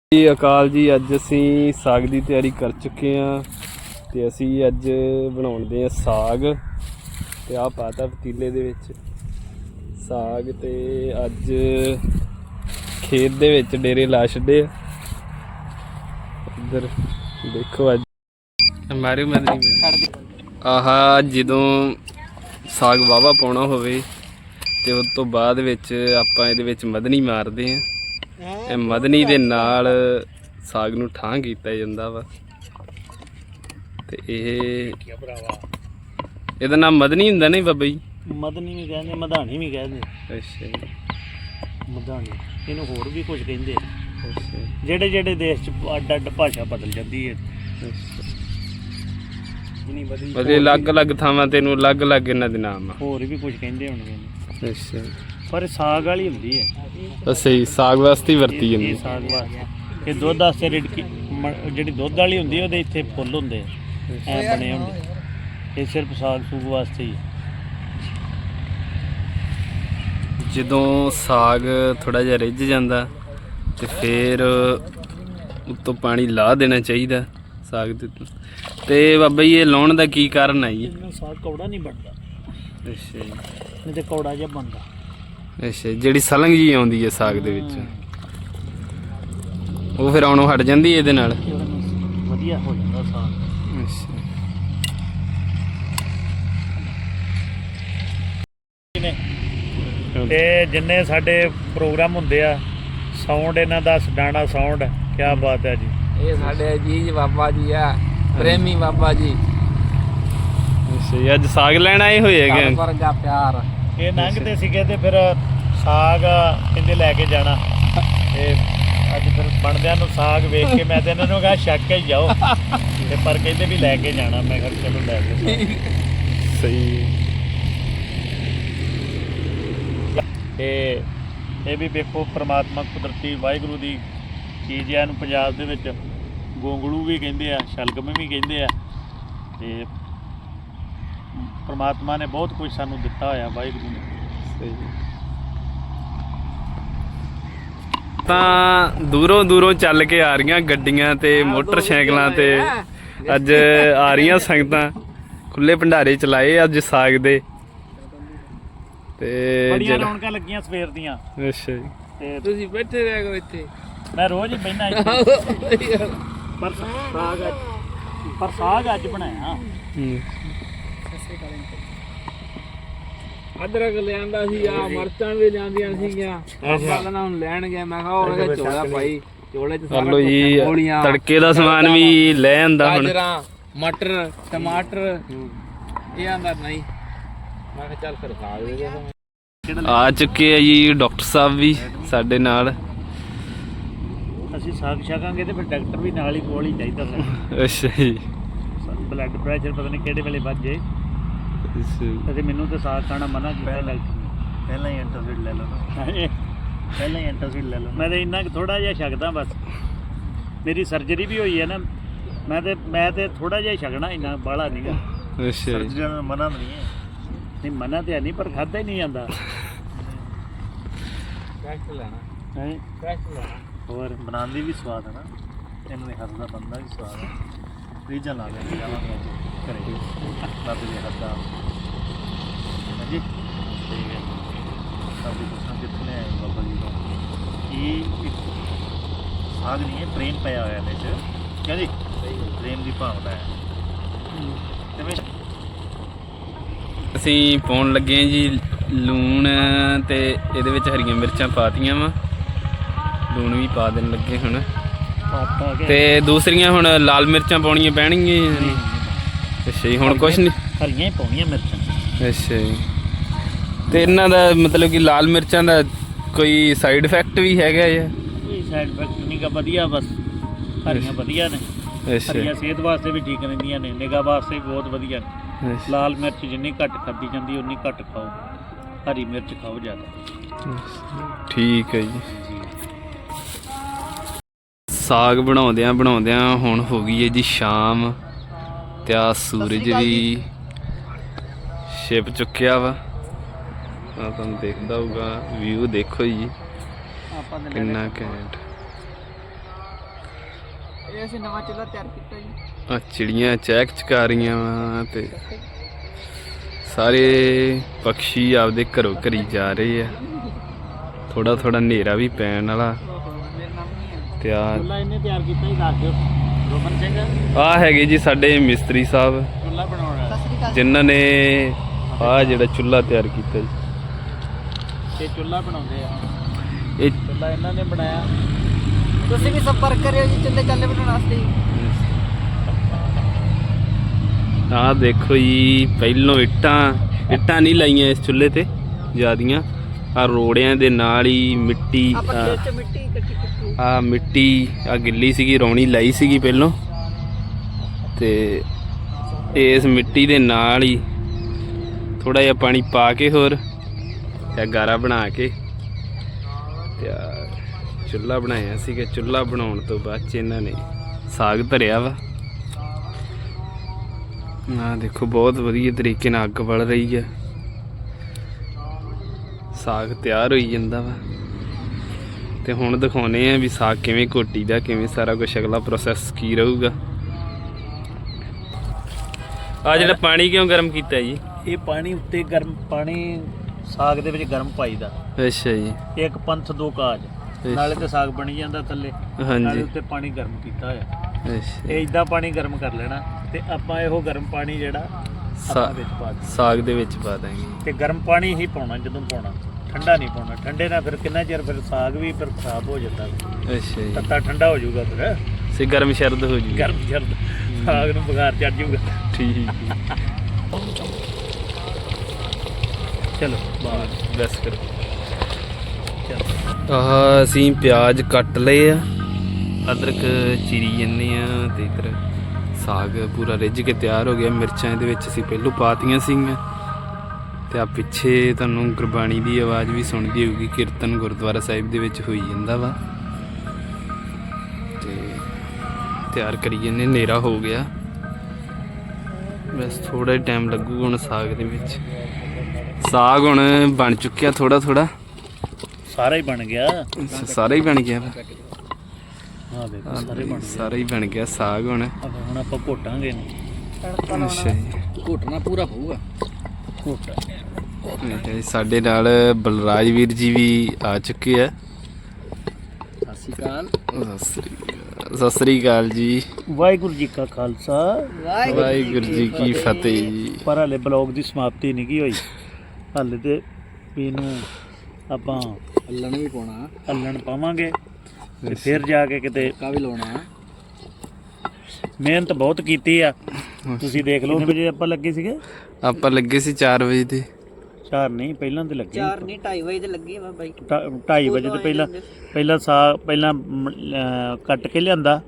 ਜੀ ਅਕਾਲ ਜੀ। ਅੱਜ ਅਸੀਂ ਸਾਗ ਦੀ ਤਿਆਰੀ ਕਰ ਚੁੱਕੇ ਹਾਂ ਤੇ ਅਸੀਂ ਅੱਜ ਬਣਾਉਂਦੇ ਹਾਂ ਸਾਗ ਤੇ ਆਹ ਪਾਤਾ ਪਤੀਲੇ ਦੇ ਵਿੱਚ ਸਾਗ। ਤੇ ਅੱਜ ਖੇਤ ਦੇ ਵਿੱਚ ਡੇਰੇ ਲਾ ਛੱਡੇ ਆ। ਇੱਧਰ ਦੇਖੋ ਅੱਜ ਮਾਰਿਓ ਮਦਨੀ ਆਹ ਜਦੋਂ ਸਾਗ ਵਾਹਵਾ ਪਾਉਣਾ ਹੋਵੇ ਤੇ ਉਸ ਤੋਂ ਬਾਅਦ ਵਿੱਚ ਆਪਾਂ ਇਹਦੇ ਵਿੱਚ ਮਦਨੀ ਮਾਰਦੇ ਹਾਂ। ਇਹ ਮਦਨੀ ਦੇ ਨਾਲ ਸਾਗ ਨੂੰ ਠਾਂ ਕੀਤਾ ਜਾਂਦਾ ਵਾ ਤੇ ਇਹਦਾ ਨਾਮ ਮਦਨੀ ਹੁੰਦਾ ਨਹੀਂ ਬਾਬਾ ਜੀ? ਮਦਨੀ ਵੀ ਕਹਿੰਦੇ, ਮਧਾਣੀ ਵੀ ਕਹਿੰਦੇ। ਅੱਛਾ ਜੀ, ਮਧਾਣੀ ਇਹਨੂੰ ਹੋਰ ਵੀ ਕੁਝ ਕਹਿੰਦੇ। ਅੱਛਾ ਜਿਹੜੇ ਜਿਹੜੇ ਦੇਸ਼ 'ਚ ਅੱਡ ਅੱਡ ਭਾਸ਼ਾ ਬਦਲ ਜਾਂਦੀ ਹੈ। ਉਹਦੇ ਅਲੱਗ-ਅਲੱਗ ਥਾਵਾਂ ਤੇ ਇਹਨੂੰ ਅਲੱਗ-ਅਲੱਗ ਇਹਨਾਂ ਦੇ ਨਾਮ ਆ। ਹੋਰ ਵੀ ਕੁਝ ਕਹਿੰਦੇ ਹੋਣਗੇ। ਅੱਛਾ, ਪਰ ਸਾਗ ਵਾਲੀ ਹੁੰਦੀ ਹੈ। ਅੱਛਾ ਜੀ, ਸਾਗ ਵਾਸਤੇ ਹੀ ਵਰਤੀ ਜਾਂਦੀ। ਸਾਗ ਵਾਸਤੇ ਇਹ ਦੁੱਧ ਵਾਸਤੇ ਰਿੜਕੀ ਜਿਹੜੀ ਦੁੱਧ ਵਾਲੀ ਹੁੰਦੀ ਉਹਦੇ ਇੱਥੇ ਫੁੱਲ ਹੁੰਦੇ ਐ ਬਣੇ ਹੁੰਦੇ। ਇਹ ਸਿਰਫ ਸਾਗ ਸੂਗ ਵਾਸਤੇ ਹੀ। ਜਦੋਂ ਸਾਗ ਥੋੜਾ ਜਿਹਾ ਰਿੱਝ ਜਾਂਦਾ ਤੇ ਫਿਰ ਉੱਤੋਂ ਪਾਣੀ ਲਾ ਦੇਣਾ ਚਾਹੀਦਾ ਸਾਗ ਦੇ ਉੱਤੇ। ਤੇ ਬਾਬਾ ਜੀ ਇਹ ਲਾਉਣ ਦਾ ਕੀ ਕਾਰਨ ਹੈ ਜੀ? ਸਾਗ ਕੌੜਾ ਨਹੀਂ ਬਣਦਾ। ਅੱਛਾ ਜੀ, ਨਹੀਂ ਤੇ ਕੌੜਾ ਜਿਹਾ ਬਣਦਾ। ਅੱਛਾ, ਜਿਹੜੀ ਸਲੰਗ ਜੀ ਆਉਂਦੀ ਹੈ ਸਾਗ ਦੇ ਵਿੱਚ ਉਹ ਫਿਰ ਆਉਣੋਂ ਹਟ ਜਾਂਦੀ ਇਹਦੇ ਨਾਲ? ਵਧੀਆ ਹੋ ਜਾਂਦਾ ਸਾਗ। ਅੱਛਾ, ਤੇ ਜਿੰਨੇ ਸਾਡੇ ਪ੍ਰੋਗਰਾਮ ਹੁੰਦੇ ਆ ਸਾਊਂਡ ਇਹਨਾਂ ਦਾ ਸਡਾਣਾ ਸਾਊਂਡ, ਕਿਆ ਬਾਤ ਹੈ ਜੀ। ਇਹ ਸਾਡੇ ਅਜੀਜ਼ ਬਾਬਾ ਜੀ ਆ, ਪ੍ਰੇਮੀ ਬਾਬਾ ਜੀ। ਅੱਛਾ ਜੀ, ਅੱਜ ਸਾਗ ਲੈਣ ਆਏ ਹੋਏ ਹੈਗੇ? ਵਰਗਾ ਪਿਆਰ। ਇਹ ਲੰਘਦੇ ਸੀਗੇ ਤੇ ਫਿਰ ਸਾਗ ਕਹਿੰਦੇ ਲੈ ਕੇ ਜਾਣਾ। ਤੇ ਅੱਜ ਫਿਰ ਬਣਦਿਆਂ ਨੂੰ ਸਾਗ ਵੇਖ ਕੇ ਮੈਂ ਤੇ ਇਹਨਾਂ ਨੂੰ ਕਿਹਾ ਛੱਕ ਕੇ ਜਾਓ ਤੇ ਪਰ ਕਹਿੰਦੇ ਵੀ ਲੈ ਕੇ ਜਾਣਾ। ਮੈਂ ਕਿਹਾ ਚਲੋ ਲੈ ਕੇ। ਸਹੀ। ਤੇ ਇਹ ਵੀ ਵੇਖੋ ਪ੍ਰਮਾਤਮਾ ਕੁਦਰਤੀ ਵਾਹਿਗੁਰੂ ਦੀ ਚੀਜ਼ ਹੈ। ਇਹਨੂੰ ਪੰਜਾਬ ਦੇ ਵਿੱਚ ਗੋਂਗਲੂ ਵੀ ਕਹਿੰਦੇ ਆ, ਸ਼ਲਗਮ ਵੀ ਕਹਿੰਦੇ ਆ। ਤੇ ਪ੍ਰਮਾਤਮਾ ਨੇ ਬਹੁਤ ਕੁਝ ਸਾਨੂੰ ਦਿੱਤਾ ਹੋਇਆ, ਵਾਹਿਗੁਰੂ ਨੇ। ਸਹੀ। ਤਾਂ ਦੂਰੋਂ ਦੂਰੋਂ ਚੱਲ ਕੇ ਆ ਰਹੀਆਂ ਗੱਡੀਆਂ ਤੇ ਮੋਟਰਸਾਈਕਲਾਂ ਤੇ ਅੱਜ ਆ ਰਹੀਆਂ ਸੰਗਤਾਂ। ਖੁੱਲੇ ਭੰਡਾਰੇ ਚਲਾਏ ਅੱਜ ਸਾਗ ਦੇ ਤੇ ਬੜੀਆਂ ਰੌਣਕਾਂ ਲੱਗੀਆਂ ਸਵੇਰ ਦੀਆਂ। ਅੱਛਾ ਜੀ, ਤੇ ਤੁਸੀਂ ਬੈਠੇ ਰਹਿ ਗਏ ਇੱਥੇ। ਮੈਂ ਰੋਜ਼ ਹੀ ਬਹਿਣਾ ਇੱਥੇ। ਪਰ ਸਾਗ ਅੱਜ ਬਣਾਇਆ। ਅਦਰਕ ਲਿਆਂਦਾ ਸੀ, ਆ ਮਰਚਾਂ ਵੀ ਲਿਆਂਦੀਆਂ ਸੀਗੀਆਂ। ਆਪਾਂ ਨਾ ਹੁਣ ਲੈਣ ਗਏ, ਮੈਂ ਕਿਹਾ ਉਹ ਝੋਲਾ ਪਾਈ, ਝੋਲੇ 'ਚ ਸਾਰਾ ਚਲੋ ਜੀ, ਤੜਕੇ ਦਾ ਸਮਾਨ ਵੀ ਲੈ ਆਂਦਾ ਹੁਣ। ਗਾਜਰਾਂ, ਮਟਰ, ਟਮਾਟਰ। ਇਹ ਆਂਦਾ ਨਹੀਂ, ਮੈਂ ਕਿਹਾ ਚੱਲ ਫਿਰ ਖਾ ਦੇ। ਆ ਚੁੱਕੇ ਆ ਜੀ ਡਾਕਟਰ ਸਾਹਿਬ ਵੀ ਸਾਡੇ ਨਾਲ। ਅਸੀਂ ਸਾਗ ਛਕਾਂਗੇ ਤੇ ਫਿਰ ਡਾਕਟਰ ਵੀ ਨਾਲ ਹੀ ਕੋਲ ਹੀ ਚਾਹੀਦਾ ਸਾਨੂੰ। ਅੱਛਾ ਜੀ, ਬਲੱਡ ਪ੍ਰੈਸ਼ਰ ਪਤਾ ਨਹੀਂ ਕਿਹੜੇ ਵੇਲੇ ਵੱਜ ਜੇ। ਅਤੇ ਮੈਨੂੰ ਤਾਂ ਸਾਗ ਖਾਣਾ ਮਨਾ ਕੀਤਾ ਡਾਕਟਰ ਨੇ। ਪਹਿਲਾਂ ਹੀ ਐਂਟਾਸਿਡ ਲੈ ਲਓ ਨਾ। ਪਹਿਲਾਂ ਹੀ ਐਂਟਾਸਿਡ ਲੈ ਲਓ। ਮੈਂ ਤਾਂ ਇੰਨਾ ਕੁ ਥੋੜ੍ਹਾ ਜਿਹਾ ਛਕਦਾ ਬਸ। ਮੇਰੀ ਸਰਜਰੀ ਵੀ ਹੋਈ ਹੈ ਨਾ। ਮੈਂ ਤੇ ਥੋੜ੍ਹਾ ਜਿਹਾ ਛਕਣਾ, ਇੰਨਾ ਬਾਹਲਾ ਨਹੀਂ ਗਾ। ਅੱਛਾ ਜੀ, ਮਨਾ ਨਹੀਂ ਹੈ। ਨਹੀਂ ਮਨਾ ਤਾਂ ਹੈ ਨਹੀਂ, ਪਰ ਖਾਧਾ ਹੀ ਨਹੀਂ ਜਾਂਦਾ। ਟੈਸਟ ਲੈਣਾ ਹੈ ਟੈਸਟ ਲੈਣਾ। ਹੋਰ ਬਣਾਉਣ ਵੀ ਸਵਾਦ ਹੈ ਨਾ। ਇਹਨਾਂ ਦੇ ਹੱਥ ਦਾ ਬੰਦਾ ਵੀ ਸਵਾਦ ਹੈ। ਰੀਜਨ ਲਾ ਕੇ ਜਾਵਾਂਗੇ ਘਰੇ ਬਾਬੇ ਦੇ ਹੱਥ ਦਾ। ਹਾਂਜੀ ਠੀਕ ਹੈ। ਸਾਡੀ ਪੁੱਛਾਂ ਕਿੱਥੋਂ ਲੈ ਆਏ ਬਾਬਾ ਜੀ ਤੋਂ? ਇਹ ਸਾਗ ਨਹੀਂ ਹੈ, ਪ੍ਰੇਮ ਪਿਆ ਹੋਇਆ ਇਹਦੇ 'ਚ। ਕਿਆ ਜੀ? ਪ੍ਰੇਮ ਦੀ ਭਾਵਨਾ ਹੈ। ਅਸੀਂ ਪਾਉਣ ਲੱਗੇ ਹਾਂ ਜੀ ਲੂਣ ਤੇ ਇਹਦੇ ਵਿੱਚ ਹਰੀਆਂ ਮਿਰਚਾਂ ਪਾਤੀਆਂ ਵਾ। ਲੂਣ ਵੀ ਪਾ ਦੇਣ ਲੱਗੇ ਹੁਣ ਤੇ ਦੂਸਰੀਆਂ ਹੁਣ ਲਾਲ ਮਿਰਚਾਂ ਪਾਉਣੀਆਂ ਪੈਣਗੀਆਂ। ਅੱਛਾ ਜੀ, ਹੁਣ ਕੁਛ ਨਹੀਂ, ਹਰੀਆਂ ਹੀ ਪਾਉਣੀਆਂ ਮਿਰਚਾਂ। ਅੱਛਾ ਜੀ, ਤੇ ਇਹਨਾਂ ਦਾ ਮਤਲਬ ਕਿ ਲਾਲ ਮਿਰਚਾਂ ਦਾ ਕੋਈ ਸਾਈਡ ਇਫੈਕਟ ਵੀ ਹੈਗਾ ਜਾਂ? ਕੋਈ ਸਾਈਡ ਇਫੈਕਟ ਨਹੀਂ ਗਾ, ਵਧੀਆ ਬਸ। ਹਰੀਆਂ ਵਧੀਆ ਨੇ। ਅੱਛਾ, ਹਰੀਆਂ ਸਿਹਤ ਵਾਸਤੇ ਵੀ ਠੀਕ ਰਹਿੰਦੀਆਂ ਨੇ, ਨਿਗਾਹ ਵਾਸਤੇ ਵੀ ਬਹੁਤ ਵਧੀਆ ਨੇ। ਲਾਲ ਮਿਰਚ ਜਿੰਨੀ ਘੱਟ ਖਾਧੀ ਜਾਂਦੀ ਉਨੀ ਘੱਟ ਖਾਓ, ਹਰੀ ਮਿਰਚ ਖਾਓ ਜ਼ਿਆਦਾ। ਠੀਕ ਹੈ ਜੀ। ਸਾਗ ਬਣਾਉਂਦਿਆਂ ਹੁਣ ਹੋ ਗਈ ਹੈ ਜੀ ਸ਼ਾਮ ਤੇ ਆ ਸੂਰਜ ਵੀ ਛਿਪ ਚੁੱਕਿਆ ਵਾ। ਤੁਹਾਨੂੰ ਦੇਖਦਾ ਹੋਊਗਾ ਵਿਊ, ਦੇਖੋ ਜੀ ਕਿੰਨਾ ਘੈਂਟ। ਇਹ ਅਸੀਂ ਨਵਾਂ ਚੁੱਲ੍ਹਾ ਤਿਆਰ ਕੀਤਾ ਜੀ। ਆ ਚਿੜੀਆਂ ਚਹਿਕ ਚਕਾ ਰਹੀਆਂ ਵਾ ਤੇ ਸਾਰੇ ਪੰਛੀ ਆਪਦੇ ਘਰੋਂ ਘਰੀ ਜਾ ਰਹੇ ਆ। ਥੋੜਾ ਥੋੜਾ ਹਨੇਰਾ ਵੀ ਪੈਣ ਵਾਲਾ ਤੇ ਆ ਚੁੱਲ੍ਹਾ ਇਹਨੇ ਤਿਆਰ ਕੀਤਾ ਹੀ ਦੱਸ ਦਿਓ ਰੋਮਨ ਸਿੰਘ। ਆ ਹੈਗੇ ਜੀ ਸਾਡੇ ਮਿਸਤਰੀ ਸਾਹਿਬ ਚੁੱਲ੍ਹਾ ਬਣਾਉਣਾ ਸਤਿ ਸ੍ਰੀ ਅਕਾਲ। ਜਿਨ੍ਹਾਂ ਨੇ ਆ ਜਿਹੜਾ ਚੁੱਲ੍ਹਾ ਤਿਆਰ ਕੀਤਾ ਜੀ। ਇਹ ਚੁੱਲ੍ਹਾ ਬਣਾਉਂਦੇ ਆ, ਇਹ ਚੁੱਲ੍ਹਾ ਇਹਨਾਂ ਨੇ ਬਣਾਇਆ। ਤੁਸੀਂ ਵੀ ਸੰਪਰਕ ਕਰਿਓ ਜੀ ਚੁੱਲ੍ਹੇ ਚਾਲੇ ਬਣਾਉਣ ਵਾਸਤੇ ਜੀ। ਆਹ ਦੇਖੋ ਜੀ, ਪਹਿਲੋਂ ਇੱਟਾਂ ਨਹੀਂ ਲਾਈਆਂ ਇਸ ਚੁੱਲ੍ਹੇ ਤੇ ਜ਼ਿਆਦੀਆਂ। ਆ ਰੋੜਿਆਂ ਦੇ ਨਾਲ ਹੀ ਮਿੱਟੀ ਆਪਾਂ ਖੇਤ ਚ ਮਿੱਟੀ ਇਕੱਠੀ ਕੀਤੀ। ਆ ਮਿੱਟੀ ਆ ਗਿੱਲੀ ਸੀਗੀ, ਰੌਣੀ ਲਾਈ ਸੀਗੀ ਪਹਿਲੋਂ ਤੇ ਇਸ ਮਿੱਟੀ ਦੇ ਨਾਲ ਹੀ ਥੋੜਾ ਜਿਹਾ ਪਾਣੀ ਪਾ ਕੇ ਹੋਰ ਤੇ ਗਾਰਾ ਬਣਾ ਕੇ ਤੇ ਚੁੱਲ੍ਹਾ ਬਣਾਇਆ ਸੀਗਾ। ਚੁੱਲ੍ਹਾ ਬਣਾਉਣ ਤੋਂ ਬਾਅਦ 'ਚ ਇਹਨਾਂ ਨੇ ਸਾਗ ਧਰਿਆ ਵਾ। ਆ ਦੇਖੋ ਬਹੁਤ ਵਧੀਆ ਤਰੀਕੇ ਨਾਲ ਅੱਗ ਬਲ ਰਹੀ ਹੈ, ਸਾਗ ਤਿਆਰ ਹੋਈ ਜਾਂਦਾ ਵਾ। ਤੇ ਹੁਣ ਦਿਖਾਉਣੇ ਆ ਵੀ ਸਾਗ ਕਿਵੇਂ ਘੋਟੀ ਦਾ, ਕਿਵੇਂ ਸਾਰਾ ਕੁਝ ਅਗਲਾ ਪ੍ਰੋਸੈਸ ਕੀ ਰਹੂਗਾ। ਆ ਜਿਹੜਾ ਪਾਣੀ ਕਿਉਂ ਗਰਮ ਕੀਤਾ ਜੀ? ਇਹ ਪਾਣੀ ਉੱਤੇ ਗਰਮ ਪਾਣੀ ਸਾਗ ਦੇ ਵਿੱਚ ਗਰਮ ਪਾਈਦਾ। ਅੱਛਾ ਜੀ। ਇੱਕ ਪੰਥ ਦੋ ਕਾਜ, ਨਾਲੇ ਤੇ ਸਾਗ ਬਣੀ ਜਾਂਦਾ ਥੱਲੇ, ਨਾਲੇ ਹਾਂਜੀ ਉੱਤੇ ਪਾਣੀ ਗਰਮ ਕੀਤਾ ਹੋਇਆ। ਅੱਛਾ। ਇਹ ਇਦਾਂ ਪਾਣੀ ਗਰਮ ਕਰ ਲੈਣਾ ਤੇ ਆਪਾਂ ਇਹੋ ਗਰਮ ਪਾਣੀ ਜਿਹੜਾ ਆਪਾਂ ਵਿੱਚ ਪਾ ਦੇਣਾ ਸਾਗ ਦੇ ਵਿੱਚ ਪਾ ਦਾਂਗੇ ਤੇ ਗਰਮ ਪਾਣੀ ਹੀ ਪਾਉਣਾ ਜਦੋਂ ਪਾਉਣਾ, ਠੰਡਾ ਨਹੀਂ ਪਾਉਣਾ। ਠੰਡੇ ਨਾਲ ਫਿਰ ਕਿੰਨਾ ਚਿਰ ਫਿਰ ਸਾਗ ਵੀ ਫਿਰ ਖਰਾਬ ਹੋ ਜਾਂਦਾ, ਅੱਛਾ ਜੀ। ਤੱਤਾ ਠੰਡਾ ਹੋ ਜਾਊਗਾ, ਫਿਰ ਸੇ ਗਰਮ ਸ਼ਰਦ ਹੋ ਜੀ। ਗਰਮ ਜਰਦ ਸਾਗ ਨੂੰ ਬੁਖਾਰ ਚੜ ਜਾਊਗਾ। ਠੀਕ ਚਲੋ ਬਾਹਰ ਬਸ ਕਰੋ। ਚਲੋ। ਆਹ ਅਸੀਂ ਪਿਆਜ਼ ਕੱਟ ਲਏ ਆ, ਅਦਰਕ ਚੀਰੀ ਜੰਨੇ ਆ ਤੇ ਇਧਰ ਸਾਗ ਪੂਰਾ ਰਿੱਝ ਕੇ ਤਿਆਰ ਹੋ ਗਿਆ। ਮਿਰਚਾਂ ਇਹਦੇ ਵਿੱਚ ਅਸੀਂ ਪਹਿਲੋਂ ਪਾਤੀਆਂ ਸੀਗੀਆਂ ਤੇ ਆ ਪਿੱਛੇ ਤੁਹਾਨੂੰ ਗੁਰਬਾਣੀ ਦੀ ਆਵਾਜ਼ ਵੀ ਸੁਣਦੀ ਹੋਊਗੀ। ਕੀਰਤਨ ਗੁਰਦੁਆਰਾ ਸਾਹਿਬ ਦੇ ਵਿੱਚ ਹੋਈ ਜਾਂਦਾ ਵਾ ਤੇ ਤਿਆਰ ਕਰੀ ਜੰਨੇ। ਹਨੇਰਾ ਹੋ ਗਿਆ, ਬਸ ਥੋੜਾ ਹੀ ਟਾਈਮ ਲੱਗੂਗਾ ਹੁਣ ਸਾਗ ਦੇ ਵਿੱਚ। ਸਾਗ ਹੁਣ ਬਣ ਚੁੱਕਿਆ ਥੋੜਾ ਥੋੜਾ, ਸਾਰਾ ਹੀ ਬਣ ਗਿਆ। ਸਾਰਾ ਹੀ ਬਣ ਗਿਆ ਵਾ। ਹਾਂ ਦੇਖੋ ਸਾਰੇ ਬਣ ਗਏ। ਸਾਰਾ ਹੀ ਬਣ ਗਿਆ ਸਾਗ ਹੁਣ। ਹੁਣ ਆਪਾਂ ਘੋਟਾਂਗੇ ਇਹਨੂੰ। ਅੱਛਾ ਜੀ। ਘੋਟਣਾ ਪੂਰਾ ਹੋਊਗਾ। ਘੋਟਾ ਤੇ ਸਾਡੇ ਨਾਲ ਬਲਰਾਜ ਵੀਰ ਜੀ ਵੀ ਆ ਚੁੱਕੇ ਆ। ਸਤਿ ਸ਼੍ਰੀ ਅਕਾਲ। ਸਤਿ ਸ੍ਰੀ ਅਕਾਲ ਜੀ। ਵਾਹਿਗੁਰੂ ਜੀ ਕਾ ਖਾਲਸਾ ਵਾਹਿਗੁਰੂ ਜੀ ਕੀ ਫਤਿਹ ਜੀ। ਪਰ ਹਾਲੇ ਬਲੌਗ ਦੀ ਸਮਾਪਤੀ ਨਹੀਂ ਗਈ ਹੋਈ, ਹਾਲੇ ਤੇ ਵੀ ਇਹਨੂੰ ਆਪਾਂ ਅੱਲਣ ਵੀ ਪਾਉਣਾ, ਹੱਲਣ ਪਾਵਾਂਗੇ ਤੇ ਫਿਰ ਜਾ ਕੇ ਕਿਤੇ ਕਾ ਵੀ ਲਾਉਣਾ। ਮਿਹਨਤ ਬਹੁਤ ਕੀਤੀ ਆ, ਤੁਸੀਂ ਦੇਖ ਲਓ। ਕਿੰਨੇ ਵਜੇ ਆਪਾਂ ਲੱਗੇ ਸੀਗੇ? ਆਪਾਂ ਲੱਗੇ ਸੀ 4 ਵਜੇ ਤੇ 4 ਨਹੀਂ, ਪਹਿਲਾਂ ਤੇ ਲੱਗੇ 4 ਨਹੀਂ 2:30 ਵਜੇ ਤੇ ਲੱਗੇ ਵਾ ਬਾਈ। 2:30 ਵਜੇ ਤੇ ਪਹਿਲਾਂ ਸਾਗ ਕੱਟ ਕੇ ਲਿਆਂਦਾ,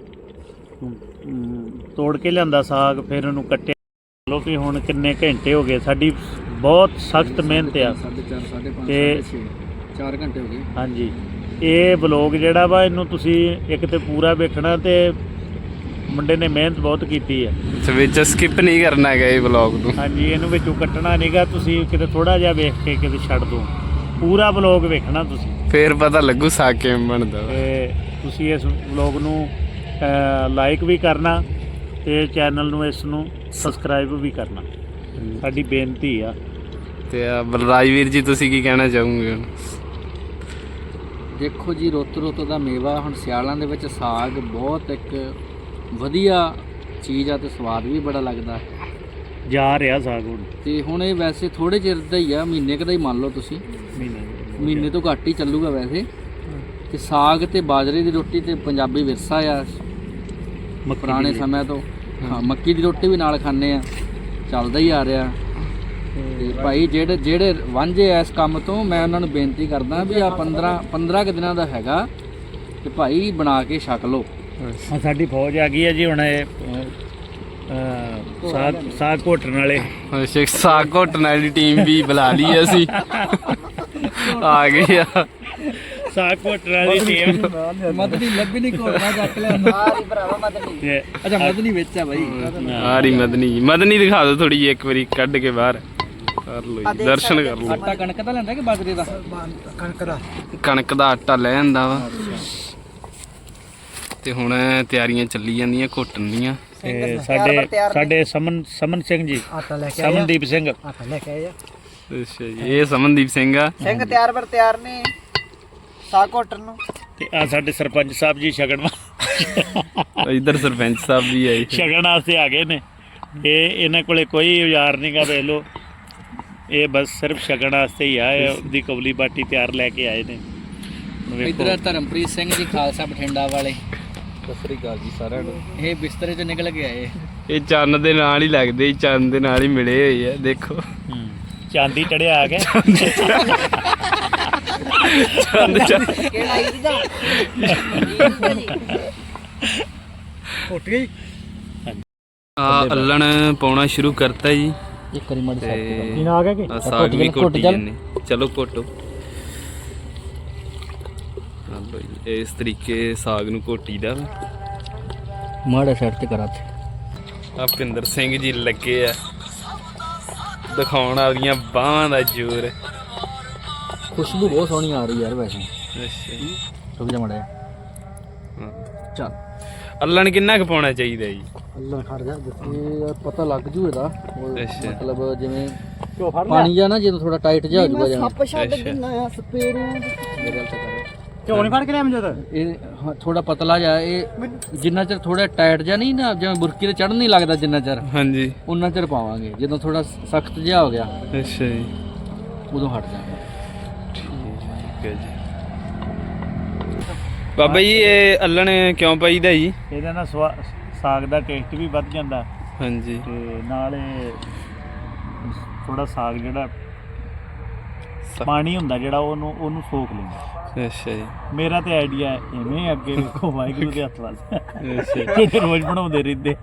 ਤੋੜ ਕੇ ਲਿਆਂਦਾ ਸਾਗ, ਫਿਰ ਉਹਨੂੰ ਕੱਟਿਆ। ਲੋ ਵੀ ਹੁਣ ਕਿੰਨੇ ਘੰਟੇ ਹੋ ਗਏ, ਸਾਡੀ ਬਹੁਤ ਸਖਤ ਮਿਹਨਤ ਆ 4:30 5:30 ਤੇ 4 ਘੰਟੇ ਹੋ ਗਏ। ਹਾਂਜੀ। ਇਹ ਵਲੋਗ ਜਿਹੜਾ ਵਾ ਇਹਨੂੰ ਤੁਸੀਂ ਇੱਕ ਤੇ ਪੂਰਾ ਵੇਖਣਾ ਤੇ ਮੁੰਡੇ ਨੇ ਮਿਹਨਤ ਬਹੁਤ ਕੀਤੀ ਹੈ। ਵਿੱਚ ਸਕਿਪ ਨਹੀਂ ਕਰਨਾ ਹੈਗਾ ਇਹ ਵਲੌਗ ਨੂੰ। ਹਾਂਜੀ, ਇਹਨੂੰ ਵਿੱਚੋਂ ਕੱਟਣਾ ਨਹੀਂਗਾ, ਤੁਸੀਂ ਕਿਤੇ ਥੋੜਾ ਜਿਹਾ ਵੇਖ ਕੇ ਕਿਤੇ ਛੱਡ ਦਿਓ। ਪੂਰਾ ਵਲੋਗ ਵੇਖਣਾ ਤੁਸੀਂ, ਫੇਰ ਪਤਾ ਲੱਗੂ ਸਾਗ ਕਿਵੇਂ ਬਣਦਾ ਵਾ। ਤੇ ਤੁਸੀਂ ਇਸ ਵਲੋਗ ਨੂੰ ਲਾਈਕ ਵੀ ਕਰਨਾ ਤੇ ਚੈਨਲ ਨੂੰ ਇਸ ਨੂੰ ਸਬਸਕ੍ਰਾਈਬ ਵੀ ਕਰਨਾ, ਸਾਡੀ ਬੇਨਤੀ ਆ। ਤੇ ਬਲਰਾਜ ਵੀਰ ਜੀ ਤੁਸੀਂ ਕੀ ਕਹਿਣਾ ਚਾਹੋਗੇ ਹੁਣ? ਦੇਖੋ ਜੀ, ਰੁੱਤ ਦਾ ਮੇਵਾ। ਹੁਣ ਸਿਆਲਾਂ ਦੇ ਵਿੱਚ ਸਾਗ ਬਹੁਤ ਇੱਕ ਵਧੀਆ ਚੀਜ਼ ਆ ਤੇ ਸਵਾਦ ਵੀ ਬੜਾ ਲੱਗਦਾ ਜਾ ਰਿਹਾ ਸਾਗ ਹੁਣ ਤੇ ਹੁਣ ਇਹ ਵੈਸੇ ਥੋੜੇ ਚਿਰ ਦਾ ਹੀ ਆ, ਮਹੀਨੇ ਕੁ ਦਾ ਹੀ ਮੰਨ ਲਓ ਤੁਸੀਂ, ਮਹੀਨੇ ਤੋਂ ਘੱਟ ਹੀ ਚੱਲੂਗਾ ਵੈਸੇ। ਤੇ ਸਾਗ ਤੇ ਬਾਜਰੇ ਦੀ ਰੋਟੀ ਤੇ ਪੰਜਾਬੀ ਵਿਰਸਾ ਆ ਪੁਰਾਣੇ ਸਮੇਂ ਤੋਂ। ਹਾਂ, ਮੱਕੀ ਦੀ ਰੋਟੀ ਵੀ ਨਾਲ ਖਾਂਦੇ ਆ, ਚੱਲਦਾ ਹੀ ਆ ਰਿਹਾ। ਤੇ ਭਾਈ ਜਿਹੜੇ ਵਾਂਝੇ ਐ ਇਸ ਕੰਮ ਤੋਂ, ਮੈਂ ਉਹਨਾਂ ਨੂੰ ਬੇਨਤੀ ਕਰਦਾ ਵੀ ਆ 15 ਕੁ ਦਿਨਾਂ ਦਾ ਹੈਗਾ ਤੇ ਭਾਈ ਬਣਾ ਕੇ ਛਕ ਲਓ। ਸਾਡੀ ਫੌਜ ਆ ਗਈ ਹੈ ਜੀ ਹੁਣ। ਇਹ ਸਾਗ ਘੋਟਣ ਵਾਲੇ ਅੱਛਾ, ਸਾਗ ਘੋਟਣ ਵਾਲੀ ਟੀਮ ਵੀ ਬੁਲਾ ਲਈ ਅਸੀਂ, ਆ ਗਏ ਆ। ਸਾਗ ਘੋਟਣ ਵਾਲੀ ਟੀਮ ਮਦਨੀ ਲੱਭੀ ਨਹੀਂ, ਘੋਟਣਾ ਚੱਕ ਲਿਆ। ਸਾਰੀ ਭਰਾਵਾ ਮਦਨੀ। ਅੱਛਾ, ਮਦਨੀ ਵਿੱਚ ਆ ਬਾਈ। ਆ ਰਹੀ ਮਦਨੀ ਦਿਖਾ ਦਿਓ ਥੋੜੀ ਜਿਹੀ ਇੱਕ ਵਾਰੀ ਕੱਢ ਕੇ ਬਾਹਰ ਕਰ ਲਓ ਜੀ, ਦਰਸ਼ਨ ਕਰ ਲਓ। ਆਟਾ ਕਣਕ ਦਾ ਲੈਂਦਾ ਕਿ ਬਾਜਰੇ ਦਾ? ਕਣਕ ਦਾ ਆਟਾ ਲੈ ਆਂਦਾ ਵਾ। ਤੇ ਹੁਣ ਤਿਆਰੀਆਂ ਚੱਲੀ ਜਾਂਦੀਆਂ ਘੁੱਟਣ ਦੀਆਂ। ਤੇ ਸਾਡੇ ਸਮਨ ਸਿੰਘ ਜੀ, ਆਟਾ ਲੈ ਕੇ ਸਮਨਦੀਪ ਸਿੰਘ, ਆਟਾ ਲੈ ਕੇ ਆਇਆ ਅੱਛਾ ਜੀ, ਇਹ ਸਮਨਦੀਪ ਸਿੰਘ ਆ। ਸਿੰਘ ਤਿਆਰ ਬਰ ਤਿਆਰ ਨੇ ਸਾਗ ਘੋਟਣ ਨੂੰ। ਤੇ ਆ ਸਾਡੇ ਸਰਪੰਚ ਸਾਹਿਬ ਜੀ ਛਕਣ ਇੱਧਰ ਸਰਪੰਚ ਸਾਹਿਬ ਵੀ ਆਏ। ਛਕਣ ਵਾਸਤੇ ਆ ਗਏ ਨੇ। ਇਹ ਇਹਨਾਂ ਕੋਲੇ ਕੋਈ ਔਜ਼ਾਰ ਨਹੀਂਗਾ, ਵੇਖ ਲਓ। ਇਹ ਬਸ ਸਿਰਫ ਛਕਣ ਵਾਸਤੇ ਹੀ ਆ। ਇਹ ਉਹਦੀ ਕਬਲੀ ਬਾਟੀ ਤਿਆਰ ਲੈ ਕੇ ਆਏ ਨੇ। ਵੇਖੋ। ਇੱਧਰ ਧਰਮਪ੍ਰੀਤ ਸਿੰਘ ਜੀ ਖਾਲਸਾ ਬਠਿੰਡਾ ਵਾਲੇ। ਸਤਿ ਸ੍ਰੀ ਅਕਾਲ ਜੀ ਸਾਰਿਆਂ ਨੂੰ। ਇਹ ਬਿਸਤਰੇ 'ਚੋਂ ਨਿਕਲ ਕੇ ਆਏ। ਇਹ ਚੰਨ ਦੇ ਨਾਲ ਹੀ ਲੱਗਦੇ, ਚੰਨ ਦੇ ਨਾਲ ਹੀ ਮਿਲੇ ਹੋਏ ਆ। ਦੇਖੋ ਚਾਂਦੀ ਚੜਿਆ ਆ ਗਿਆ। ਕਿਹੜਾ ਇਹਦਾ ਘੁੱਟ ਗਈ। ਆ ਅੱਲਣ ਪਾਉਣਾ ਸ਼ੁਰੂ ਕਰਤਾ ਜੀ। ਇੱਕ ਵਾਰੀ ਮੜ ਤੇ ਆ ਗਿਆ ਕਿ ਆਹ ਸਾਗ ਵੀ ਘੁੱਟੀ ਜਾਂਦੇ। ਚਲੋ ਘੁੱਟੋ। ਹਾਂ ਬਈ, ਇਸ ਤਰੀਕੇ ਸਾਗ ਨੂੰ ਘੋਟੀਦਾ। ਮਾੜਾ ਸਾਈਡ ਤੇ ਕਰਾ ਤੇ ਆ ਭਿੰਦਰ ਸਿੰਘ ਜੀ ਲੱਗੇ ਆ ਦਿਖਾਉਣ ਆਪਦੀਆਂ ਬਾਹਾਂ ਦਾ ਜ਼ੋਰ। ਖੁਸ਼ਬੂ ਬਹੁਤ ਸੋਹਣੀ ਆ ਰਹੀ ਯਾਰ ਵੈਸੇ। ਅੱਛਾ ਜੀ। ਰੁਕ ਜਾ ਮੜਾ ਹਾਂ। ਚੱਲ ਅੱਲਣ ਕਿੰਨਾ ਕੁ ਪਾਉਣਾ ਚਾਹੀਦਾ ਜੀ? ਅੱਲਾ ਖੜ ਜਾ ਇਹ ਪਤਾ ਲੱਗ ਜੂ ਇਹਦਾ। ਅੱਛਾ। ਮਤਲਬ ਜਿਵੇਂ ਪਾਣੀ ਜਾਂ ਨਾ ਜਦੋਂ ਥੋੜਾ ਟਾਈਟ ਜਿਹਾ ਹੋ ਜੂਗਾ ਜਾਂ ਸੱਪ ਛੱਡ ਦਿੰਦਾ ਆ ਸਪੇਰੇ ਮੇਰੇ ਗੱਲ ਤਾਂ ਕਰ ਝੋਲ ਨਹੀਂ ਫੜ ਕੇ ਲਿਆ ਮੈਨੂੰ ਇਹ ਥੋੜਾ ਪਤਲਾ ਜਿਹਾ। ਇਹ ਜਿੰਨਾ ਚਿਰ ਥੋੜਾ ਟਾਈਟ ਜਿਹਾ ਨਹੀਂ ਨਾ, ਜਿਵੇਂ ਬੁਰਕੀ ਤੇ ਚੜ੍ਹ ਨਹੀਂ ਲੱਗਦਾ ਜਿੰਨਾ ਚਿਰ, ਹਾਂਜੀ ਉਨਾ ਚਿਰ ਪਾਵਾਂਗੇ। ਜਦੋਂ ਥੋੜਾ ਸਖਤ ਜਿਹਾ ਹੋ ਗਿਆ ਅੱਛਾ ਜੀ, ਉਦੋਂ ਹਟ ਜਾਵਾਂਗੇ। ਠੀਕ ਹੈ ਜੀ। ਬਾਬਾ ਜੀ ਇਹ ਅੱਲਣ ਕਿਉਂ ਪਾਈਦਾ ਜੀ? ਇਹਦੇ ਨਾਲ ਸਾਗ ਦਾ ਟੇਸਟ ਵੀ ਵੱਧ ਜਾਂਦਾ ਹਾਂਜੀ। ਤੇ ਨਾਲ ਥੋੜਾ ਸਾਗ ਜਿਹੜਾ ਪਾਣੀ ਹੁੰਦਾ ਜਿਹੜਾ ਉਹਨੂੰ ਸੋਖ ਲੈਂਦਾ। ਅੱਛਾ ਜੀ। ਮੇਰਾ ਤੇ ਆਈਡੀਆ ਐਵੇਂ ਅੱਗੇ ਵੇਖੋ ਵਾਹਿਗੁਰੂ ਦੇ ਹੱਥ ਵੱਲ। ਅੱਛਾ ਜਿਹੜੇ ਰੋਜ਼ ਬਣਾਉਂਦੇ ਰਹਿੰਦੇ।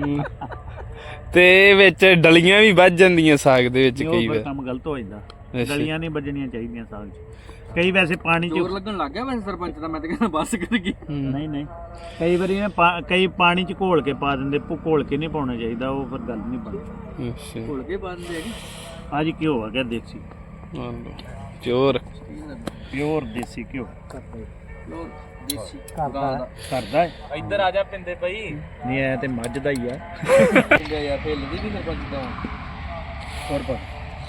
ਤੇ ਵਿੱਚ ਡਲੀਆਂ ਵੀ ਵੱਜ ਜਾਂਦੀਆਂ ਸਾਗ ਦੇ ਵਿੱਚ ਉਹ ਕਈ ਫਿਰ ਵਾਰ। ਕੰਮ ਗਲਤ ਹੋ ਜਾਂਦਾ। ਅੱਛਾ। ਗਲੀਆਂ ਨਹੀਂ ਵੱਜਣੀਆਂ ਚਾਹੀਦੀਆਂ ਸਾਗ 'ਚ। ਕਈ ਵੈਸੇ ਪਾਣੀ 'ਚ ਜ਼ੋਰ ਲੱਗਣ ਲੱਗ ਗਿਆ ਵੈਸੇ ਸਰਪੰਚ ਦਾ। ਮੈਂ ਤਾਂ ਕਹਿੰਦਾ ਬਸ ਕਰ ਗਈ। ਨਹੀਂ ਕਈ ਵਾਰੀ ਕਈ ਪਾਣੀ 'ਚ ਘੋਲ ਕੇ ਪਾ ਦਿੰਦੇ। ਘੋਲ ਕੇ ਨਹੀਂ ਪਾਉਣਾ ਚਾਹੀਦਾ, ਉਹ ਫਿਰ ਗੱਲ ਨਹੀਂ ਬਣਦੀ। ਅੱਛਾ। ਘੋਲ ਕੇ ਬੰਦ ਹੈਗੀ। ਆ ਜੀ ਘਿਓ ਆ ਗਿਆ ਦੇਸੀ, ਮੰਨ ਲਓ ਚੋਰ। ਪਿਓਰ ਦੇਸੀ ਘਿਓ ਦੇਸੀ ਕਰਦਾ ਹੈ। ਇੱਧਰ ਆ ਜਾ ਪਿੰਦੇ ਪਈ। ਨਹੀਂ ਐ ਤੇ ਮੱਝ ਦਾ ਹੀ ਆ। ਯਾਰ ਹਿੱਲਦੀ ਵੀ ਸਰਪੰਚ ਦਾ ਹੋਰ ਪਰ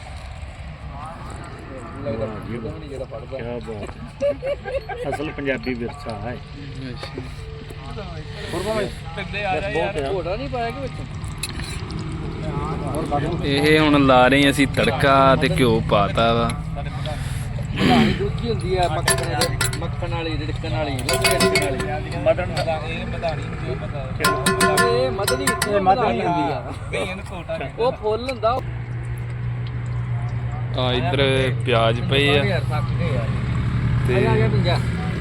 ਲੱਗਦਾ ਨਹੀਂ ਜਿਹੜਾ ਪੜਦਾ। ਕਿਆ ਬਾਤ। ਅਸਲ ਪੰਜਾਬੀ ਵਿਰਸਾ ਹੈ। ਹੋਰ ਭਾਵੇਂ ਪਿੰਦੇ ਆ ਜਾ। ਘੋੜਾ ਨਹੀਂ ਪਾਇਆ ਕਿ ਵਿੱਚ? ਇਹ ਹੁਣ ਲਾ ਰਹੇ ਅਸੀਂ ਤੜਕਾ ਤੇ ਘਿਓ ਪਾਤਾ ਵਾ। ਮਧਾਣੀ ਦੂਜੀ ਹੁੰਦੀ ਆ ਮੱਖਣ ਵਾਲੀ, ਰਿੜਕਣ ਵਾਲੀ, ਰਿੜਕਣ ਵਾਲੀ। ਮਟਨ ਇਹ ਮਧਣੀ ਹੁੰਦੀ ਆ। ਉਹ ਫੁੱਲ ਹੁੰਦਾ। ਆ ਇੱਧਰ ਪਿਆਜ਼ ਪਏ ਆ ਯਾਰ ਥੱਕ ਗਏ ਯਾਰ। ਤੇ ਆ ਗਿਆ ਪਿੰਜਾ।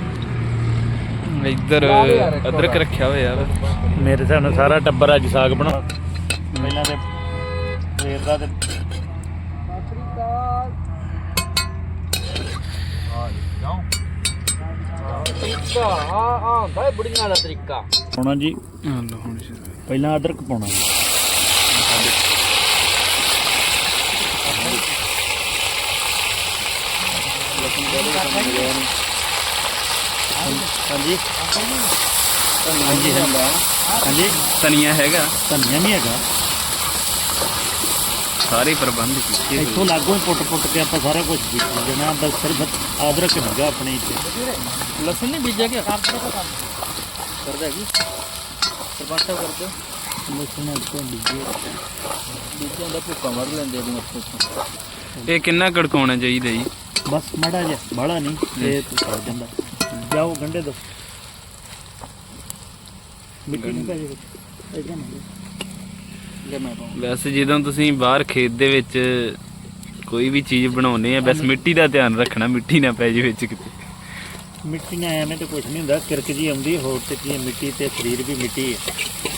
ਇੱਧਰ ਅਦਰਕ ਰੱਖਿਆ ਹੋਇਆ ਵਾ। ਮੇਰੇ ਹਿਸਾਬ ਨਾਲ ਸਾਰਾ ਟੱਬਰ ਅੱਜ ਸਾਗ ਬਣਾ। ਪਹਿਲਾਂ ਤੇ ਸਵੇਰ ਦਾ ਤੇ ਤਰੀਕਾ ਆ ਹੁੰਦਾ ਹੈ ਬੁੜੀਆਂ ਦਾ ਤਰੀਕਾ। ਪਾਉਣਾ ਜੀ। ਲਓ ਹੁਣ ਪਹਿਲਾਂ ਅਦਰਕ ਪਾਉਣਾ ਜੀ। ਹਾਂਜੀ ਹਾਂਜੀ ਧਨੀਆ ਹੈਗਾ, ਧਨੀਆ ਨਹੀਂ ਹੈਗਾ। ਸਾਰੇ ਪ੍ਰਬੰਧ ਕੀਤੇ ਹੋਏ। ਇੱਥੋਂ ਲਾਗੋਂ ਹੀ ਪੁੱਟ ਕੇ ਆਪਾਂ ਸਾਰਾ ਕੁਝ ਬੀਜ ਦੇਣਾ। ਬਸ ਸਿਰਫ ਅਦਰਕ ਹੈਗਾ ਆਪਣੇ ਇੱਥੇ। ਲਸਣ ਨਹੀਂ ਬੀਜਿਆ ਕਿ ਕਰਦਾ ਹੈਗੀ ਸਰਪੰਚ ਸਾਹਿਬ ਕਰਦੇ ਲਸਣ ਇੱਥੋਂ ਬੀਜਿਆਂ ਦਾ ਭੁੱਕਾ ਵੱਢ ਲੈਂਦੇ ਆ ਉੱਥੋਂ। ਇਹ ਕਿੰਨਾ ਕੜਕਾਉਣਾ ਚਾਹੀਦਾ ਜੀ? ਬਸ ਮਾੜਾ ਜਿਹਾ, ਬਾਹਲਾ ਨਹੀਂ, ਇਹ ਸੜ ਜਾਂਦਾ। ਜਾਓ ਗੰਢੇ ਦੋ। ਮਿੱਟੀ ਨਹੀਂ ਪਾਈ ਵਿੱਚ ਇਹਦਾ ਨਹੀਂ। ਵੈਸੇ ਜਦੋਂ ਤੁਸੀਂ ਬਾਹਰ ਖੇਤ ਦੇ ਵਿੱਚ ਕੋਈ ਵੀ ਚੀਜ਼ ਬਣਾਉਨੇ ਆ, ਬਸ ਮਿੱਟੀ ਦਾ ਧਿਆਨ ਰੱਖਣਾ, ਮਿੱਟੀ ਨਾ ਪੈ ਜੇ ਵਿੱਚ ਕਿਤੇ। ਮਿੱਟੀ ਨਾਲ ਐਵੇਂ ਤੇ ਕੁਝ ਨਹੀਂ ਹੁੰਦਾ, ਕਿਰਕ ਜੀ ਆਉਂਦੀ। ਹੋਰ ਤੇ ਕੀ, ਮਿੱਟੀ ਤੇ ਸਰੀਰ ਵੀ ਮਿੱਟੀ ਹੈ।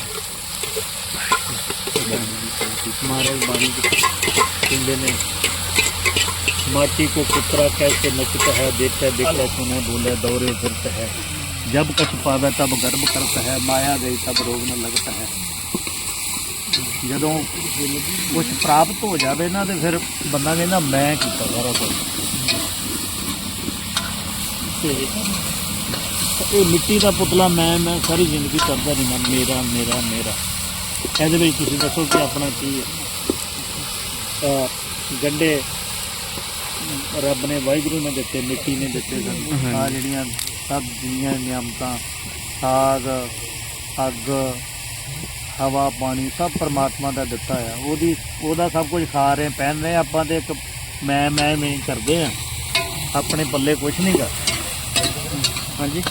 ਮਹਾਰਾਜ ਬਾਣੀ ਕਹਿੰਦੇ ਨੇ, माटी को कुतरा कैसे नचता है, देखता देखता सुने बोले दौरे फिरता है, जब कछ पावे तब गर्व करता है, माया गई तब रोग न लगता है। ਜਦੋਂ ਕੁਝ ਪ੍ਰਾਪਤ ਹੋ ਜਾਵੇ ਨਾ ਤੇ ਫਿਰ ਬੰਦਾ ਕਹਿੰਦਾ ਮੈਂ ਕੀਤਾ ਸਾਰਾ ਕੁਝ। ਇਹ ਮਿੱਟੀ ਦਾ ਪੁਤਲਾ ਮੈਂ ਸਾਰੀ ਜ਼ਿੰਦਗੀ ਕਰਦਾ ਨਹੀਂ ਮੇਰਾ ਮੇਰਾ ਮੇਰਾ। ਇਹਦੇ ਵਿੱਚ ਤੁਸੀਂ ਦੱਸੋ ਕਿ ਆਪਣਾ ਕੀ ਹੈ। ਗੰਢੇ ਰੱਬ ਨੇ ਵਾਹਿਗੁਰੂ ਨੇ ਦਿੱਤੇ, ਮਿੱਟੀ ਨੇ ਦਿੱਤੇ ਸਾਨੂੰ। ਆ ਜਿਹੜੀਆਂ ਸਭ ਜਿੰਨੀਆਂ ਨਿਆਮਤਾਂ, ਸਾਗ, ਅੱਗ, ਹਵਾ, ਪਾਣੀ ਸਭ ਪਰਮਾਤਮਾ ਦਾ ਦਿੱਤਾ ਆ। ਉਹਦਾ ਸਭ ਕੁਝ ਖਾ ਰਹੇ, ਪਹਿਨ ਰਹੇ। ਆਪਾਂ ਤੇ ਇੱਕ ਮੈਂ ਕਰਦੇ ਆ, ਆਪਣੇ ਪੱਲੇ ਕੁਛ ਨਹੀਂ ਗਾ। ਹਾਂਜੀ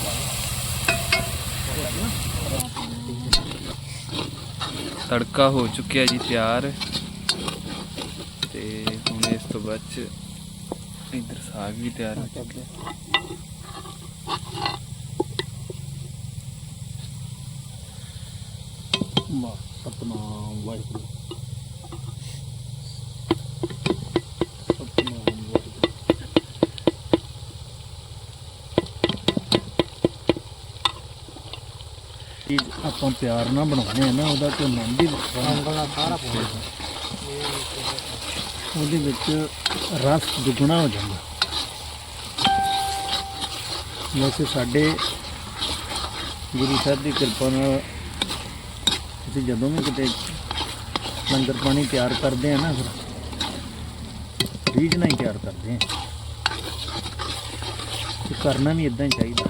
ਤੜਕਾ ਹੋ ਚੁੱਕਿਆ ਜੀ ਤਿਆਰ, ਤੇ ਹੁਣ ਇਸ ਤੋਂ ਬਾਅਦ ਚ ਇੱਧਰ ਸਾਗ ਵੀ ਤਿਆਰ ਹੋ ਚੁੱਕਿਆ। ਸਤਨਾਮ ਵਾਹਿਗੁਰੂ, ਚੀਜ਼ ਆਪਾਂ ਪਿਆਰ ਨਾਲ ਬਣਾਉਂਦੇ ਆ ਨਾ, ਉਹਦਾ ਕੋਈ ਮਨ ਵੀ ਵੱਖਰਾ ਸਾਰਾ ਉਹਦੇ ਵਿੱਚ ਰਸ ਦੁੱਗਣਾ ਹੋ ਜਾਂਦਾ। ਵੈਸੇ ਸਾਡੇ ਗੁਰੂ ਸਾਹਿਬ ਦੀ ਕਿਰਪਾ ਨਾਲ ਅਸੀਂ ਜਦੋਂ ਵੀ ਕਿਤੇ ਲੰਗਰ ਪਾਣੀ ਤਿਆਰ ਕਰਦੇ ਆ ਨਾ, ਫਿਰ ਰੀਝ ਨਾਲ ਹੀ ਤਿਆਰ ਕਰਦੇ ਆ, ਤੇ ਕਰਨਾ ਵੀ ਇਦਾਂ ਹੀ ਚਾਹੀਦਾ।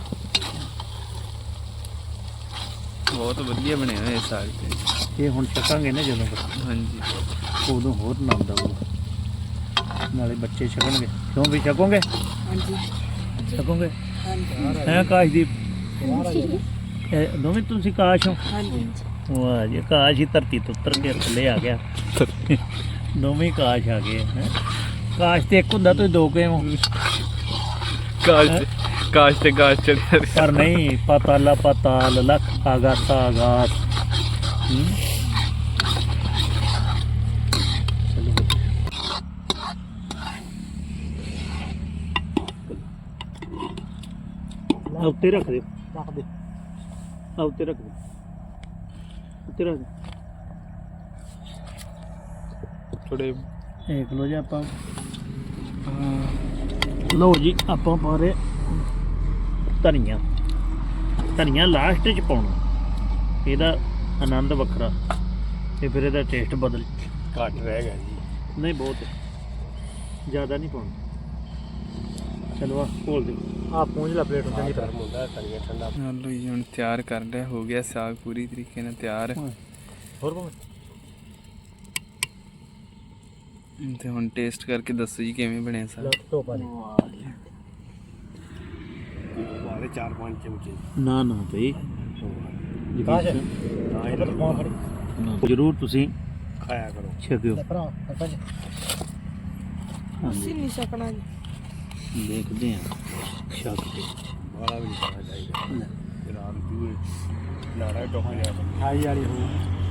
ਬਹੁਤ ਵਧੀਆ ਬਣਿਆ ਹੋਇਆ ਸਾਗ ਤੇ। ਇਹ ਹੁਣ ਛਕਾਂਗੇ ਨਾ ਜਦੋਂ, ਹਾਂਜੀ ਉਦੋਂ ਹੋਰ ਆਨੰਦ ਆਊਗਾ, ਨਾਲੇ ਬੱਚੇ ਛਕਣਗੇ। ਕਿਉਂ ਵੀ ਛਕੋਗੇ? ਹਾਂਜੀ ਛਕੋਗੇ? ਹਾਂਜੀ ਹੈ ਕਾਸ਼ਦੀਪ, ਇਹ ਦੋਵੇਂ ਤੁਸੀਂ ਕਾਸ਼ ਹੋ? ਹਾਂਜੀ ਵਾਹ ਜੀ, ਕਾਸ਼ ਹੀ ਧਰਤੀ ਤੋਂ ਉੱਤਰ ਕੇ ਥੱਲੇ ਆ ਗਿਆ। ਦੋਵੇਂ ਹੀ ਕਾਸ਼ ਆ ਗਏ ਹੈਂ। ਕਾਸ਼ ਤੇ ਇੱਕ ਹੁੰਦਾ, ਤੁਸੀਂ ਦੋ ਕਿਵੇਂ ਹੋ? ਕਾਸ਼ ਤੇ ਕਾਸ਼ ਚੜਿਆ। ਪਰ ਨਹੀਂ, ਪਾਤਾਲਾ ਪਾਤਾਲ, ਲੱਖ ਆਗਾਸਾ ਆਗਾਸ। ਚਲੋ ਉੱਤੇ ਰੱਖ ਦਿਓ, ਰੱਖ ਦੇ, ਉੱਤੇ ਰੱਖ ਦਿਓ, ਉੱਤੇ ਰੱਖ ਦਿਓ। ਥੋੜੇ ਦੇਖ ਲਓ ਜੀ, ਆਪਾਂ ਲਓ ਜੀ, ਆਪਾਂ ਪਾ ਰਹੇ ਧਨੀਆ ਲਾਸਟ 'ਚ ਪਾਉਣਾ, ਇਹਦਾ ਆਨੰਦ ਵੱਖਰਾ, ਤੇ ਫਿਰ ਇਹਦਾ ਟੇਸਟ ਬਦਲ ਘੱਟ ਰਹਿ ਗਿਆ ਜੀ। ਨਹੀਂ, ਬਹੁਤ ਜ਼ਿਆਦਾ ਨਹੀਂ ਪਾਉਣਾ। ਚਲੋ ਆ ਘੋਲ ਦਿਓ, ਆ ਪੂੰਝ ਲਾ ਪਲੇਟ ਚੰਗੀ ਤਰ੍ਹਾਂ। ਲਓ ਜੀ, ਹੁਣ ਤਿਆਰ ਕਰ ਲਿਆ, ਹੋ ਗਿਆ ਸਾਗ ਪੂਰੀ ਤਰੀਕੇ ਨਾਲ ਤਿਆਰ। ਹੋਰ ਭਾਵੇਂ ਤੇ ਹੁਣ ਟੇਸਟ ਕਰਕੇ ਦੱਸੋ ਜੀ ਕਿਵੇਂ ਬਣਿਆ ਸਾਗ। ਧੋਪਾ ਦੇ ਸਾਰੇ 4-5 ਚਮਚੇ। ਨਾ ਬਈ, ਜ਼ਰੂਰ ਤੁਸੀਂ ਖਾਇਆ ਕਰੋ, ਛਕਿਓ। ਅਸੀਂ ਨਹੀਂ ਸਕਣਾ ਜੀ। ਦੇਖਦੇ ਹਾਂ ਛਕ ਕੇ, ਵਾਲਾ ਵੀ ਨਹੀਂ ਖਾਣਾ ਚਾਹੀਦਾ। ਜਨਾਬ ਜੂਏ ਲਾੜਾ ਟੋਕ ਲਿਆ, ਖਾਈ ਵਾਲੀ ਹੋ।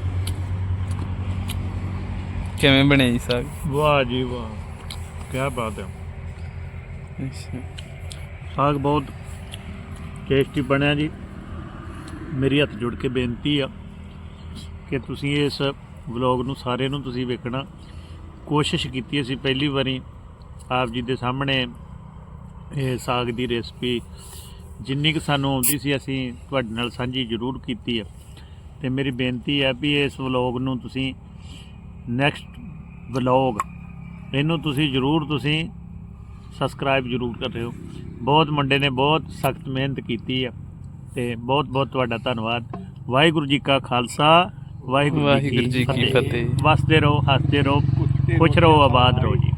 ਕਿਵੇਂ ਬਣਿਆ ਜੀ ਸਾਗ? ਵਾਹ ਜੀ ਵਾਹ, ਕੀ ਬਾਤ ਹੈ। ਅੱਛਾ, ਸਾਗ ਬਹੁਤ ਟੇਸਟੀ ਬਣਿਆ ਜੀ। ਮੇਰੀ ਹੱਥ ਜੋੜ ਕੇ ਬੇਨਤੀ ਆ ਕਿ ਤੁਸੀਂ ਇਸ ਵਲੌਗ ਨੂੰ ਸਾਰੇ ਨੂੰ ਤੁਸੀਂ ਵੇਖਣਾ। ਕੋਸ਼ਿਸ਼ ਕੀਤੀ ਅਸੀਂ ਪਹਿਲੀ ਵਾਰੀ ਆਪ ਜੀ ਦੇ ਸਾਹਮਣੇ ਇਹ ਸਾਗ ਦੀ ਰੈਸਪੀ ਜਿੰਨੀ ਕੁ ਸਾਨੂੰ ਆਉਂਦੀ ਸੀ ਅਸੀਂ ਤੁਹਾਡੇ ਨਾਲ ਸਾਂਝੀ ਜ਼ਰੂਰ ਕੀਤੀ ਆ। ਤੇ ਮੇਰੀ ਬੇਨਤੀ ਹੈ ਵੀ ਇਸ ਵਲੌਗ ਨੂੰ ਤੁਸੀਂ ਨੈਕਸਟ ਵਲੌਗ ਇਹਨੂੰ ਤੁਸੀਂ ਜ਼ਰੂਰ ਤੁਸੀਂ ਸਬਸਕ੍ਰਾਈਬ ਜ਼ਰੂਰ ਕਰਿਓ। ਬਹੁਤ ਮੁੰਡੇ ਨੇ ਬਹੁਤ ਸਖਤ ਮਿਹਨਤ ਕੀਤੀ ਆ, ਤੇ ਬਹੁਤ ਬਹੁਤ ਤੁਹਾਡਾ ਧੰਨਵਾਦ। ਵਾਹਿਗੁਰੂ ਜੀ ਕਾ ਖਾਲਸਾ, ਵਾਹਿਗੁਰੂ ਜੀ ਕੀ ਫਤਿਹ। ਵਸਦੇ ਰਹੋ, ਹੱਸਦੇ ਰਹੋ, ਖੁਸ਼ ਰਹੋ, ਆਬਾਦ ਰਹੋ ਜੀ।